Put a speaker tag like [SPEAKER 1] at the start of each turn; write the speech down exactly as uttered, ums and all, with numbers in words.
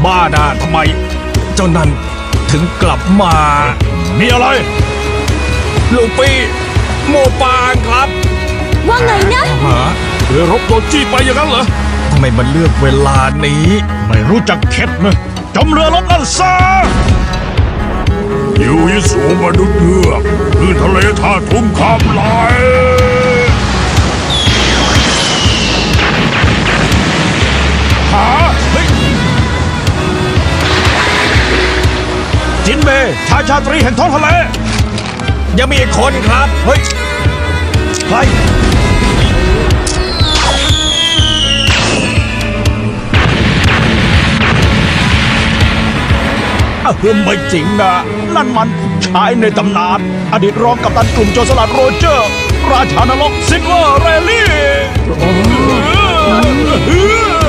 [SPEAKER 1] บ้าน่ะทำไม เจ้านั่นถึงกลับมา
[SPEAKER 2] มีอะไร
[SPEAKER 1] ลูปี้โมปางครับ
[SPEAKER 3] ว่าไงนะ
[SPEAKER 1] ฮะ
[SPEAKER 2] เรือรบโดนจี้ไปอย่างนั้นเหรอ
[SPEAKER 1] ทำไมมันเลือกเวลานี้
[SPEAKER 2] ไม่รู้จักเข็ดนะจมเรือรบนั่นซะยูยิสูมนุษย์เงือกคือทะเลท่าทุ่งคำลายหาเฮ้ยจินเบย์ชายชาตรีแห่งท้องทะเล
[SPEAKER 1] ยังมีอีกคนครับ
[SPEAKER 2] เฮ้ย ใคร อ่ะไม่จริงนะ นั่นมันชายในตำนาน อดีตรองกัปตันกลุ่มโจรสลัดโรเจอร์ ราชานรกซิลเวอร์เรลลี่